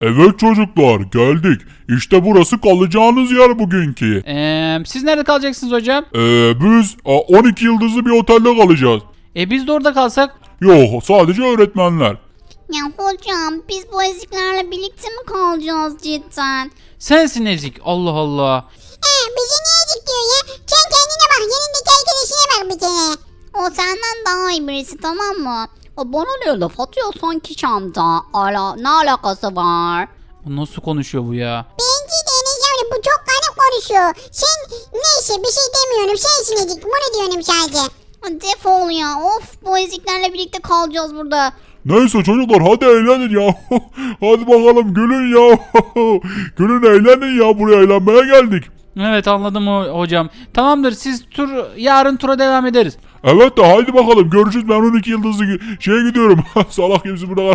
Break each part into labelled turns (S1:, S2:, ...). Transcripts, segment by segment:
S1: Evet çocuklar geldik. İşte burası kalacağınız yer bugünkü.
S2: Siz nerede kalacaksınız hocam?
S1: Biz 12 yıldızlı bir otelde kalacağız.
S2: Biz de orada kalsak?
S1: Yok sadece öğretmenler.
S3: Ya hocam biz bu eziklerle birlikte mi kalacağız cidden?
S2: Sensin ezik. Allah Allah.
S3: Bizi niye ezik diyor ya? Sen kendine bak yanındaki arkadaşına bak bir kere. O senden daha iyi birisi tamam mı? O bana ne laf atıyor sanki çamda. Ne alakası var?
S2: Bu nasıl konuşuyor bu ya?
S3: Bence de Enes amca bu çok garip konuşuyor. Sen neyse bir şey demiyorum sensin ezik bunu diyorum sadece. Defol ya of bu eziklerle birlikte kalacağız burada.
S1: Neyse çocuklar hadi eğlenin ya. Hadi bakalım gülün ya. Gülün eğlenin ya buraya eğlenmeye geldik.
S2: Evet anladım hocam. Tamamdır siz yarın tura devam ederiz.
S1: Evet de haydi bakalım görüşürüz ben 12 yıldızlı şeye gidiyorum. Salak kimsin burada?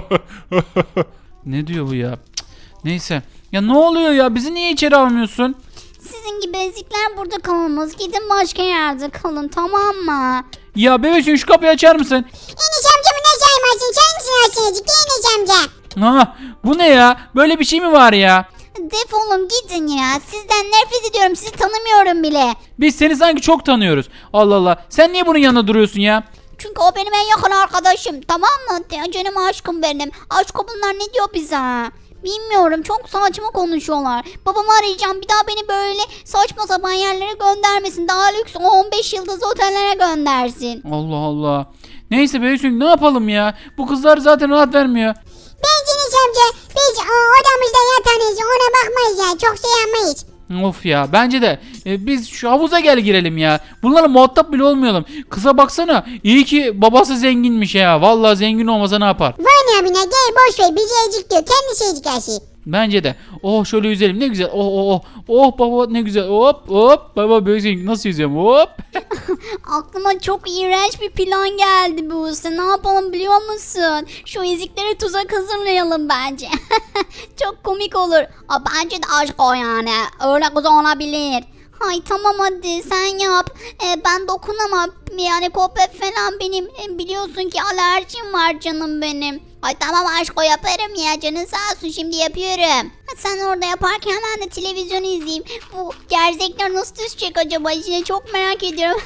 S2: Ne diyor bu ya? Cık, neyse. Ya ne oluyor ya? Bizi niye içeri almıyorsun?
S3: Sizin gibi ezikler burada kalmaz. Gidin başka yerde kalın tamam mı?
S2: Ya bebeksin şu kapıyı açar mısın?
S3: Enes amcamı ne saymazsın? Sen misin aşağıcık Enes amca?
S2: Ha, bu ne ya? Böyle bir şey mi var ya?
S3: Defolun gidin ya. Sizden nefret ediyorum. Sizi tanımıyorum bile.
S2: Biz seni sanki çok tanıyoruz. Allah Allah. Sen niye bunun yanında duruyorsun ya?
S3: Çünkü o benim en yakın arkadaşım. Tamam mı? Canım aşkım benim. Aşkım bunlar ne diyor bize? Bilmiyorum. Çok saçma konuşuyorlar. Babamı arayacağım. Bir daha beni böyle saçma sapan yerlere göndermesin. Daha lüks 15 yıldız otellere göndersin.
S2: Allah Allah. Neyse bebeksin ne yapalım ya? Bu kızlar zaten rahat vermiyor.
S3: Bence Enes amca biz odamızda yatarız. Ona bakmayız ya. Çok şey yapmayız.
S2: Of ya bence de biz şu havuza girelim ya. Bunlarla muhatap bile olmayalım. Kıza baksana iyi ki babası zenginmiş ya. Vallahi zengin olmasa ne yapar?
S3: Vay abine gel boş ver. Bizi ezik diyor. Kendisi ezik her şey.
S2: Bence de. Oh şöyle yüzelim ne güzel. Oh baba ne güzel. Hop baba böyle nasıl yüzüyorum hop.
S3: Aklıma çok iğrenç bir plan geldi Buse. Ne yapalım biliyor musun? Şu eziklere tuzak hazırlayalım bence. Çok komik olur. Bence de aşk o yani. Öyle kız olabilir. Hay tamam hadi sen yap. Ben dokunamam. Yani kopya falan benim. Biliyorsun ki alerjim var canım benim. Ay tamam aşk o yaparım ya canın sağ olsun şimdi yapıyorum. Sen orada yaparken ben de televizyon izleyeyim. Bu gerzekler nasıl düşecek acaba içine çok merak ediyorum.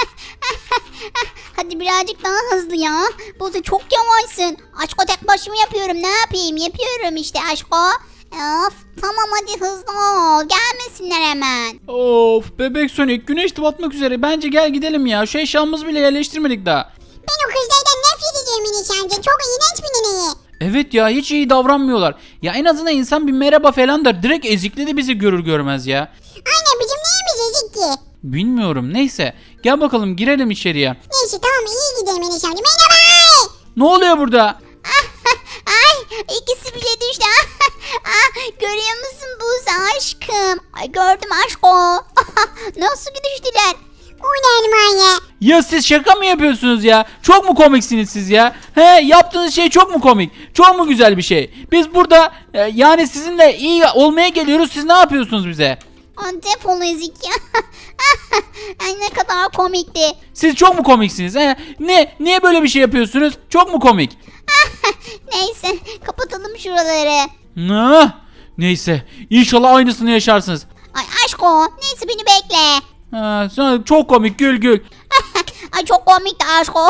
S3: Hadi birazcık daha hızlı ya. Buse çok yavaşsın. Aşko tek başıma yapıyorum ne yapayım yapıyorum işte aşko. Of tamam hadi hızlı ol gelmesinler hemen.
S2: Of bebek Sonic güneş de batmak üzere. Bence gel gidelim ya. Şu eşyamızı bile yerleştirmedik daha.
S3: Ben o kızlardan nefret ediyorum Enes amca. Çok iğrenç bir neneye.
S2: Evet ya hiç iyi davranmıyorlar. Ya en azından insan bir merhaba falan der. Direkt ezikli de bizi görür görmez ya.
S3: Aynen bizim neyimiz ezik ki?
S2: Bilmiyorum neyse. Gel bakalım girelim içeriye.
S3: Neyse tamam iyi gidelim Enes amca. Merhaba.
S2: Ne oluyor burada?
S3: Ay ikisi bile düştü. Görüyor musun Buse aşkım? Ay gördüm aşko. Nasıl düştüler? Ulan ya.
S2: Ya siz şaka mı yapıyorsunuz ya? Çok mu komiksiniz siz ya? He yaptığınız şey çok mu komik? Çok mu güzel bir şey? Biz burada yani sizinle iyi olmaya geliyoruz. Siz ne yapıyorsunuz bize?
S3: Defol ezik ya. Ay ne kadar komikti.
S2: Siz çok mu komiksiniz? He? Niye böyle bir şey yapıyorsunuz? Çok mu komik?
S3: Neyse kapatalım şuraları.
S2: Neyse inşallah aynısını yaşarsınız.
S3: Ay aşko neyse beni bekle.
S2: Sonra çok komik gül.
S3: Ay çok komikti aşko.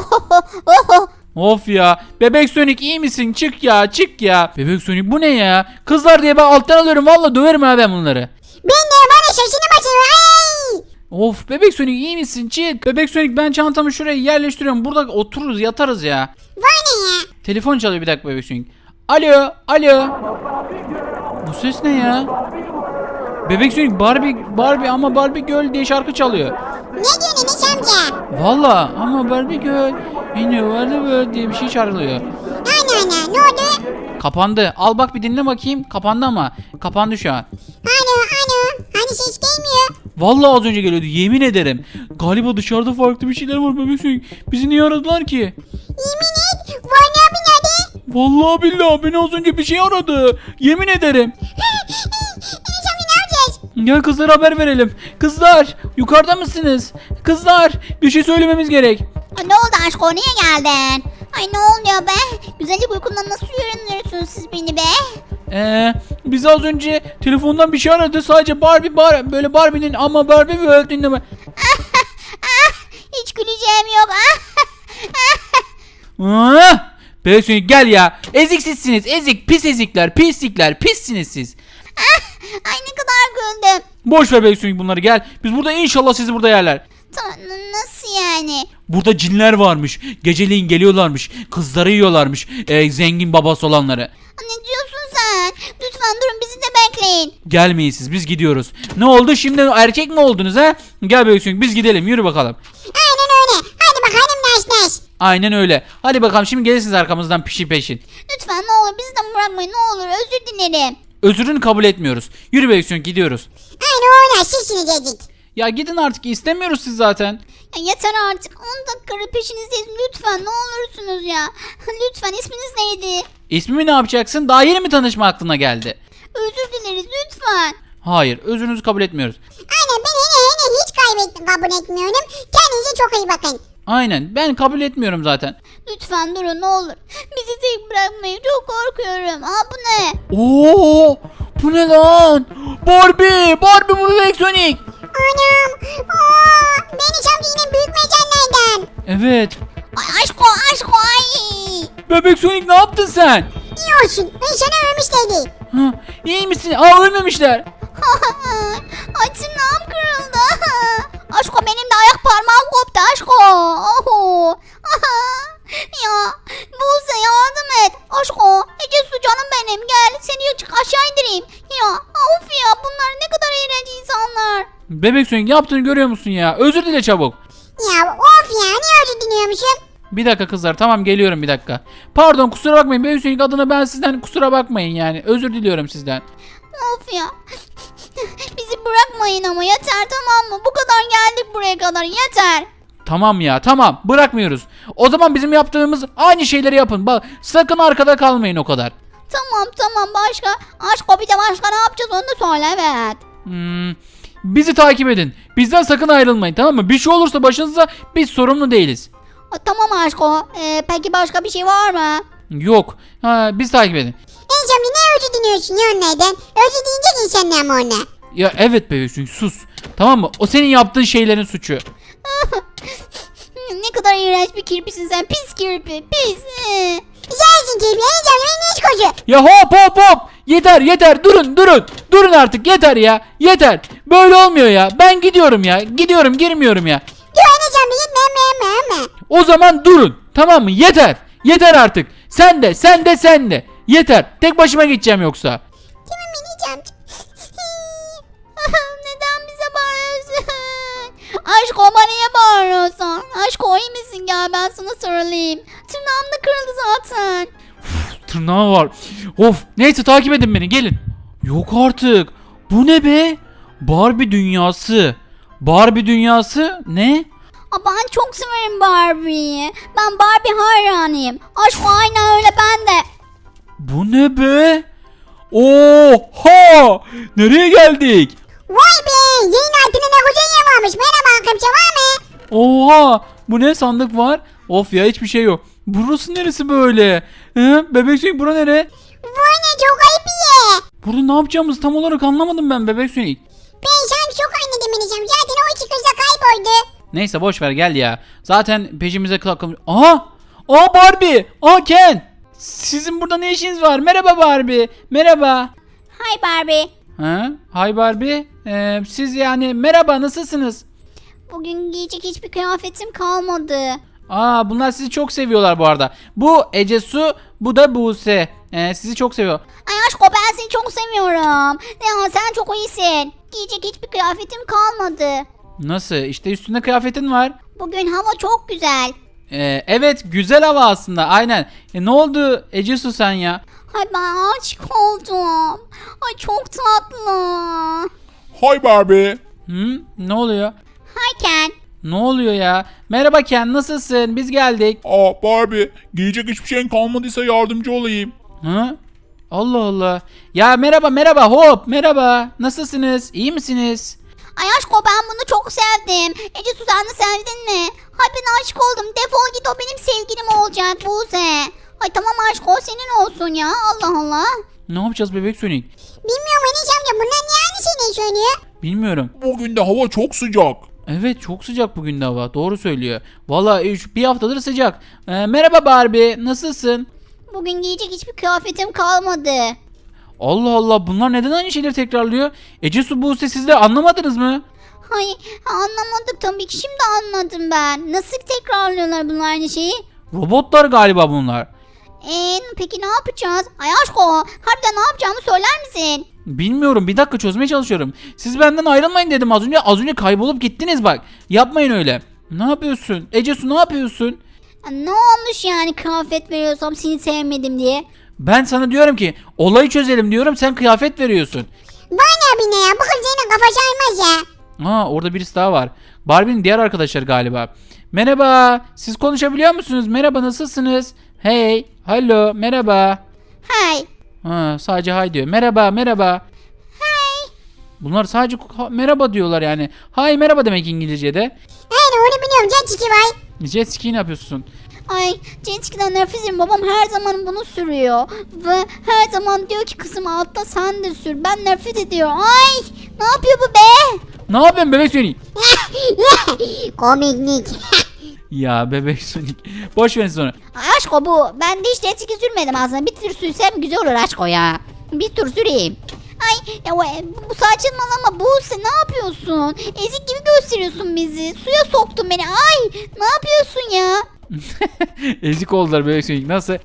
S2: Of ya. Bebek Sonic iyi misin? Çık ya. Bebek Sonic bu ne ya? Kızlar diye ben alttan alıyorum. Valla döverim ha ben bunları.
S3: Ben de bana şaşını başını. Ay.
S2: Of Bebek Sonic iyi misin? Çık. Bebek Sonic ben çantamı şuraya yerleştiriyorum. Burada otururuz yatarız ya.
S3: Vay ne ya?
S2: Telefon çalıyor bir dakika Bebek Sonic. Alo. Bu ses ne ya? Bebek Sonic Barbie ama Barbie Girl diye şarkı çalıyor.
S3: Ne diyorsun Enes amca?
S2: Valla ama Barbie Girl yine vardı diye bir şey çağrılıyor.
S3: Ana ne oldu?
S2: Kapandı. Al bak bir dinle bakayım. Kapandı ama. Kapandı şu an.
S3: Ano hani ses gelmiyor.
S2: Vallahi az önce geliyordu. Yemin ederim. Galiba dışarıda farklı bir şeyler var Bebek Sonic. Bizi niye aradılar ki?
S3: Yemin et. Vay ne abi nerede?
S2: Vallahi billahi beni az önce bir şey aradı. Yemin ederim.
S3: Enes amca ne yapacağız?
S2: Gel kızlara haber verelim. Kızlar yukarıda mısınız? Kızlar bir şey söylememiz gerek.
S3: Ne oldu aşko niye geldin? Ay ne oluyor be? Güzellik uykundan nasıl uyanıyorsunuz siz beni be?
S2: Bizi az önce telefondan bir şey aradı. Sadece böyle Barbie'nin ama Barbie mi öldüğünde mi?
S3: Hiç güleceğim yok.
S2: Bebek Sonic gel ya. Eziksizsiniz. Ezik. Pis ezikler. Pislikler. Pissiniz siz.
S3: Ay ne kadar güldüm.
S2: Boş ver Bebek Sonic bunları gel. Biz burada inşallah sizi burada yerler.
S3: Nasıl yani?
S2: Burada cinler varmış. Geceleyin geliyorlarmış. Kızları yiyorlarmış. Zengin babası olanları.
S3: Ne diyorsun sen? Lütfen durun bizi de bekleyin.
S2: Gelmeyin siz, biz gidiyoruz. Ne oldu şimdi, erkek mi oldunuz ha? Gel Bebek Sonic biz gidelim, yürü bakalım.
S3: Aynen öyle. Hadi bakalım Naş.
S2: Aynen öyle. Hadi bakalım şimdi gelirsiniz arkamızdan peşin.
S3: Lütfen ne olur bizi de bırakmayın ne olur özür dilerim.
S2: Özrünü kabul etmiyoruz. Yürü Bebek Sonic gidiyoruz.
S3: Aynen öyle sizsiniz dedik.
S2: Ya gidin artık, istemiyoruz siz zaten.
S3: Ya yeter artık 10 dakikadır peşinizdeyiz lütfen ne olursunuz ya. Lütfen isminiz neydi?
S2: İsmimi ne yapacaksın? Daha yeni mi tanışma aklına geldi?
S3: Özür dileriz lütfen.
S2: Hayır, özrünüzü kabul etmiyoruz.
S3: Aynen ben hiç kabul etmiyorum. Kendinize çok iyi bakın.
S2: Aynen, ben kabul etmiyorum zaten.
S3: Lütfen durun ne olur. Bizi tek bırakmayın çok korkuyorum. Bu ne?
S2: Oo! Bu ne lan? Barbie bu Bebek Sonic.
S3: Anam. Beni çabuk yine büyük mecanlardan.
S2: Evet.
S3: Ay aşko ay.
S2: Bebek Sonic ne yaptın sen?
S3: İyi olsun. Ben sana ölmüş dedi.
S2: Ha, iyi misin? Ölmemişler.
S3: Ay tırnağım kırıldı. Aşko benim de ayak parmağım koptu aşko. Ya Buse yardım et. Aşko Ece su canım benim gel seni aşağı indireyim. Ya of ya bunlar ne kadar iğrenç insanlar.
S2: Bebek Sonic yaptığını görüyor musun ya? Özür dile çabuk.
S3: Ya of ya niye özür diliyormuşum?
S2: Bir dakika kızlar, tamam geliyorum bir dakika. Pardon, kusura bakmayın Bebek Sonic adına ben sizden kusura bakmayın yani. Özür diliyorum sizden.
S3: Of ya. Bizi bırakmayın ama yeter tamam mı? Bu kadar geldik buraya kadar yeter.
S2: Tamam ya, tamam, bırakmıyoruz. O zaman bizim yaptığımız aynı şeyleri yapın. Bak sakın arkada kalmayın o kadar.
S3: Tamam başka. Aşko bir de başka ne yapacağız onu da söyle evet.
S2: Bizi takip edin. Bizden sakın ayrılmayın, tamam mı? Bir şey olursa başınıza biz sorumlu değiliz.
S3: Tamam Aşko. Peki başka bir şey var mı?
S2: Yok. Biz takip edin.
S3: Enşamlı ne özür diliyorsun ya onlardan? Özür dileyecek insanlar mı ona?
S2: Ya evet Bebek Sonic sus. Tamam mı? O senin yaptığın şeylerin suçu.
S3: Ne kadar iğrenç bir kirpisin sen. Pis kirpi. Pis. Sensin kirpi. Enşamlı beni hiç koşu.
S2: Ya hop. Yeter. Durun artık, yeter ya. Yeter. Böyle olmuyor ya. Ben gidiyorum ya. Girmiyorum ya.
S3: Diyor Enşamlı gitme.
S2: O zaman durun. Tamam mı? Yeter artık. Sen de. Yeter. Tek başıma gideceğim yoksa.
S3: Tamam Enşamlı. Neden bize bağırıyorsun? Aşko bana niye bağırıyorsun? Aşko iyi misin? Gel ben sana sarılayım. Tırnağım da kırıldı zaten.
S2: Tırnağı var. Of. Neyse takip edin beni, gelin. Yok artık. Bu ne be? Barbie dünyası ne?
S3: Ben çok severim Barbie'yi. Ben Barbie hayranıyım. Aşko aynen öyle ben de.
S2: Bu ne be? Oha! Nereye geldik?
S3: Vay be! Yayın altında ne koca yer varmış. Merhaba kimse var mı?
S2: Oha! Bu ne, sandık var? Of ya, hiçbir şey yok. Burası neresi böyle? Bebek Sonic, bura nere?
S3: Vay ne çok ayıp bir yer.
S2: Burada ne yapacağımızı tam olarak anlamadım ben Bebek Sonic.
S3: Ben sana çok anladım Enişem. Zaten o iki kız da kayboldu.
S2: Neyse boş ver, gel ya. Zaten peşimize takılmış. Aha! Barbie! Ken! Sizin burada ne işiniz var? Merhaba Barbie. Merhaba.
S3: Hi Barbie.
S2: Hi Barbie. Siz yani merhaba, nasılsınız?
S3: Bugün giyecek hiçbir kıyafetim kalmadı.
S2: Bunlar sizi çok seviyorlar bu arada. Bu Ece Su, bu da Buse. Sizi çok seviyor.
S3: Ay aşko ben seni çok seviyorum. Ya sen çok iyisin. Giyecek hiçbir kıyafetim kalmadı.
S2: Nasıl? İşte üstünde kıyafetin var.
S3: Bugün hava çok güzel.
S2: Evet, güzel hava aslında, aynen. Ne oldu Ece Su sen ya?
S3: Ay ben aşık oldum. Ay çok tatlı.
S1: Hi Barbie.
S2: Ne oluyor?
S3: Hi Ken.
S2: Ne oluyor ya? Merhaba Ken, nasılsın? Biz geldik.
S1: Barbie, giyecek hiçbir şeyin kalmadıysa yardımcı olayım.
S2: Allah Allah. Ya merhaba hop, merhaba. Nasılsınız? İyi misiniz?
S3: Ay aşko ben bunu çok sevdim. Ece Suzan'ı sevdin mi? Ay ben aşık oldum. Defol git o benim sevgilim olacak Buse. Ay tamam aşko senin olsun ya. Allah Allah.
S2: Ne yapacağız bebek Sonic?
S3: Bilmiyorum Enes amca bunlar niye aynı şeyi söylüyor?
S2: Bilmiyorum.
S1: Bugün de hava çok sıcak.
S2: Evet çok sıcak bugün de hava. Doğru söylüyor. Vallahi bir haftadır sıcak. Merhaba Barbie. Nasılsın?
S3: Bugün giyecek hiçbir kıyafetim kalmadı.
S2: Allah Allah bunlar neden aynı şeyleri tekrarlıyor? Ece Su Buse siz de anlamadınız mı?
S3: Hayır anlamadık tabii ki şimdi anladım ben. Nasıl tekrarlıyorlar bunlar aynı şeyi?
S2: Robotlar galiba bunlar.
S3: Peki ne yapacağız? Ay aşko harbiden ne yapacağımı söyler misin?
S2: Bilmiyorum bir dakika çözmeye çalışıyorum. Siz benden ayrılmayın dedim az önce. Az önce kaybolup gittiniz bak. Yapmayın öyle. Ne yapıyorsun? Ece Su ne yapıyorsun?
S3: Ne olmuş yani kıyafet veriyorsam seni sevmedim diye?
S2: Ben sana diyorum ki olayı çözelim diyorum sen kıyafet veriyorsun.
S3: Bana bir ne ya bu kız senin kafası almaz ya.
S2: Orada birisi daha var. Barbie'nin diğer arkadaşları galiba. Merhaba. Siz konuşabiliyor musunuz? Merhaba nasılsınız? Hey. Hello. Merhaba.
S3: Hay.
S2: Sadece hay diyor. Merhaba. Merhaba. Bunlar sadece merhaba diyorlar yani. Hay merhaba demek İngilizce'de.
S3: Aynen onu biliyorum jet ski var.
S2: Jet ski ne yapıyorsun?
S3: Ay jet ski'den nefret ediyorum. Babam her zaman bunu sürüyor. Ve her zaman diyor ki kızım altta sen de sür. Ben nefret ediyorum. Ay ne yapıyor bu be?
S2: Ne yapıyorsun bebek Sonic?
S3: Komiklik.
S2: Ya bebek Sonic. Boş verin sonra.
S3: Aşko bu. Ben de hiç jet ski sürmedim aslında. Bir tur sürsem güzel olur aşko ya. Bir tur süreyim. Ay ya bu saçmalama Buse ne yapıyorsun? Ezik gibi gösteriyorsun bizi. Suya soktun beni. Ay ne yapıyorsun ya?
S2: Ezik oldular bebek Sonic. Nasıl?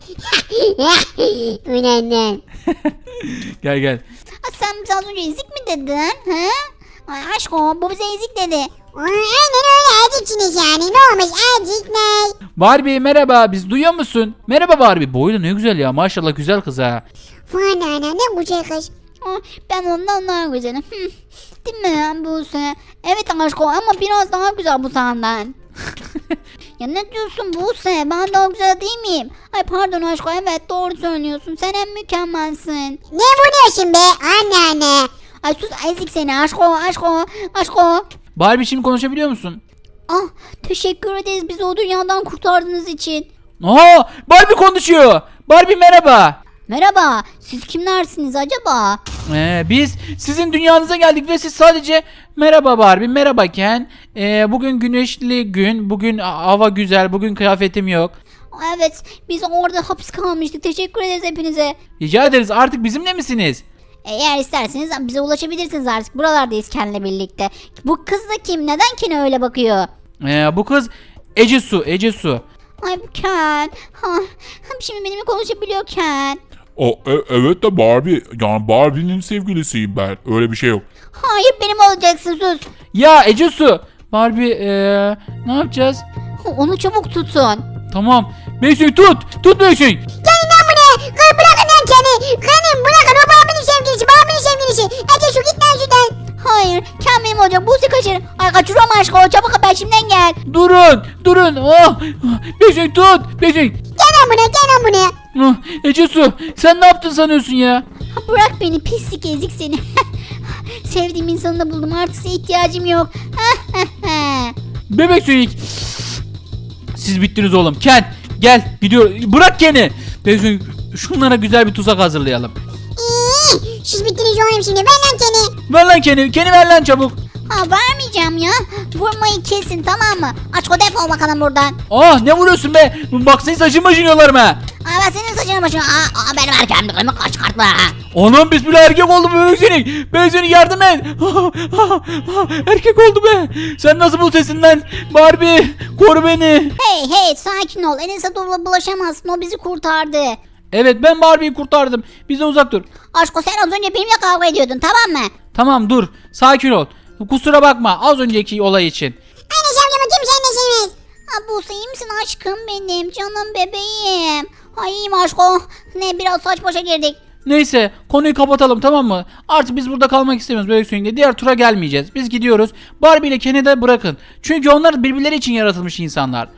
S3: Önemli.
S2: Gel gel.
S3: Sen bize az önce ezik mi dedin? He? Ay aşko bu bize ezik dedi. Aynen öyle eziksiniz yani. Ne olmuş ezik ne?
S2: Barbie merhaba. Biz duyuyor musun? Merhaba Barbie. Boyu da ne güzel ya. Maşallah güzel kız ha.
S3: Fana ne güzel kız. Ben ondan daha güzelim. Değil mi Buse? Evet aşko ama biraz daha güzel bu senden. Ya ne diyorsun Buse? Ben daha güzel değil miyim? Ay pardon aşko evet doğru söylüyorsun. Sen en mükemmelsin. Ne vuruyorsun be anne? Ay sus ezik seni aşko.
S2: Barbie şimdi konuşabiliyor musun?
S3: Ah teşekkür ederiz bizi o dünyadan kurtardığınız için.
S2: Barbie konuşuyor. Barbie merhaba.
S3: Merhaba siz kimlersiniz acaba?
S2: Biz sizin dünyanıza geldik ve siz sadece merhaba Barbie, merhaba Ken. Bugün güneşli gün, bugün hava güzel, bugün kıyafetim yok.
S3: Evet biz orada hapis kalmıştık teşekkür ederiz hepinize.
S2: Rica ederiz artık bizimle misiniz?
S3: Eğer isterseniz bize ulaşabilirsiniz artık buralardayız Ken'le birlikte. Bu kız da kim neden Ken'e öyle bakıyor?
S2: Bu kız Ece Su.
S3: Ay bu Ken. Şimdi benimle konuşabiliyor Ken.
S1: Evet de Barbie. Yani Barbie'nin sevgilisiyim ben. Öyle bir şey yok.
S3: Hayır benim olacaksın sus.
S2: Ya Ece Su. Barbie ne yapacağız?
S3: Onu çabuk tutun.
S2: Tamam. Beysun tut Beysun.
S3: Gelin lan buraya. Bırakın lan Ken'i. Ken'im bırakın o Barbie'nin sevgilisi. Ece şu git lan şuradan. Hayır Ken benim olacak. Buse kaçır. Ay kaçırıyorum aşkım. Çabuk peşimden gel.
S2: Durun. Beysun tut. Beysun.
S3: Gel lan buraya.
S2: Ece Su sen ne yaptın sanıyorsun ya?
S3: Bırak beni pislik ezik seni. Sevdiğim insanı da buldum artık size ihtiyacım yok.
S2: Bebek Sonic. Siz bittiniz oğlum. Ken gel gidiyor. Bırak Ken'i. Bebek Sonic şunlara güzel bir tuzak hazırlayalım.
S3: Siz bittiniz oğlum şimdi ver lan Ken'i.
S2: Ver lan Ken'i. Ken'i ver lan çabuk.
S3: Vermeyeceğim ya. Vurmayı kesin tamam mı? Aç o defol bakalım buradan.
S2: Ne vuruyorsun be? Bak senin saçın başın yolarım ha.
S3: Ben senin saçını başını. Benim erkeğimde çıkartma.
S2: Anam bismillah erkek oldu Bebek Sonic. Bebek Sonic yardım et. Erkek oldu be. Sen nasıl bu sesinden? Barbie koru beni.
S3: Hey sakin ol. Enes'e doğru bulaşamazsın. O bizi kurtardı.
S2: Evet ben Barbie'yi kurtardım. Bizden uzak dur.
S3: Aşko sen az önce benimle kavga ediyordun tamam mı?
S2: Tamam dur. Sakin ol. Kusura bakma az önceki olay için.
S3: Enes amcama kimse Enes'imiz. Buse iyi misin aşkım benim? Canım bebeğim. Ay iyiyim aşko. Ne biraz saç başa girdik.
S2: Neyse konuyu kapatalım tamam mı? Artık biz burada kalmak istemiyoruz Bebek Sonic'le. Diğer tura gelmeyeceğiz. Biz gidiyoruz. Barbie ile Ken'i de bırakın. Çünkü onlar birbirleri için yaratılmış insanlar.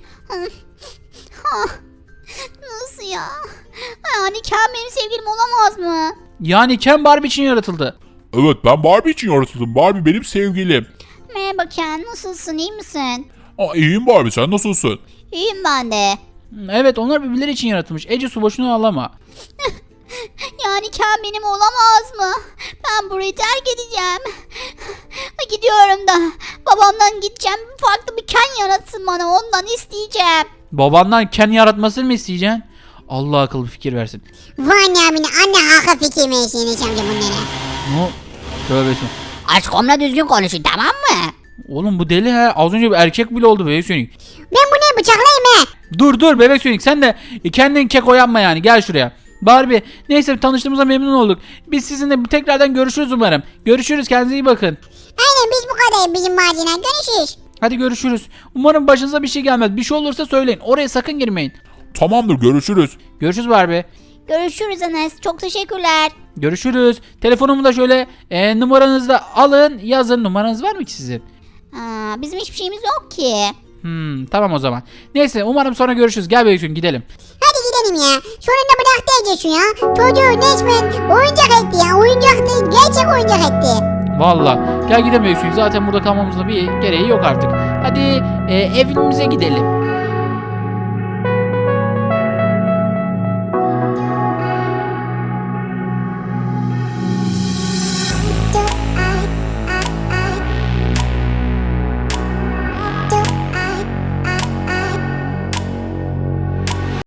S3: Nasıl ya? Yani Ken benim sevgilim olamaz mı?
S2: Yani Ken Barbie için yaratıldı.
S1: Evet ben Barbie için yaratıldım. Barbie benim sevgilim.
S3: Merhaba Ken nasılsın iyi misin?
S1: İyiyim Barbie sen nasılsın?
S3: İyiyim ben de.
S2: Evet onlar birbirleri için yaratılmış. Ece Su boşuna ağlama.
S3: Yani Ken benim olamaz mı? Ben burayı terk edeceğim. Gidiyorum da babamdan gideceğim. Farklı bir Ken yaratsın bana, ondan isteyeceğim.
S2: Babandan Ken yaratmasını mı isteyeceksin? Allah akıllı fikir versin.
S4: Vay abine anne haklı fikir versin Enes amca bunlara.
S2: Ne? Tövbesin.
S3: Aşkımla düzgün konuşun, tamam mı?
S2: Oğlum bu deli he. Az önce bir erkek bile oldu Bebek Sonic.
S4: Ben bunu bıçaklayayım he.
S2: Dur Bebek Sonic, sen de kendin keko yapma yani. Gel şuraya. Barbie, neyse tanıştığımıza memnun olduk. Biz sizinle tekrardan görüşürüz umarım. Görüşürüz, kendinize iyi bakın.
S4: Aynen biz bu kadar bizim macina görüşürüz.
S2: Hadi görüşürüz. Umarım başınıza bir şey gelmez. Bir şey olursa söyleyin. Oraya sakın girmeyin.
S1: Tamamdır, görüşürüz.
S2: Görüşürüz Barbie.
S3: Görüşürüz Enes, çok teşekkürler.
S2: Görüşürüz. Telefonumu da şöyle numaranızı da alın, yazın. Numaranız var mı ki sizin?
S3: Bizim hiçbir şeyimiz yok ki.
S2: Tamam o zaman. Neyse umarım sonra görüşürüz. Gel Bebek Sonic gidelim.
S4: Hadi gidelim ya. Sonunda bıraktı Ece şu ya. Çocuğu resmen oyuncak etti ya. Oyuncak değil, gerçek oyuncak etti.
S2: Valla. Gel gidelim Bebek Sonic. Zaten burada kalmamızda bir gereği yok artık. Hadi evimize gidelim.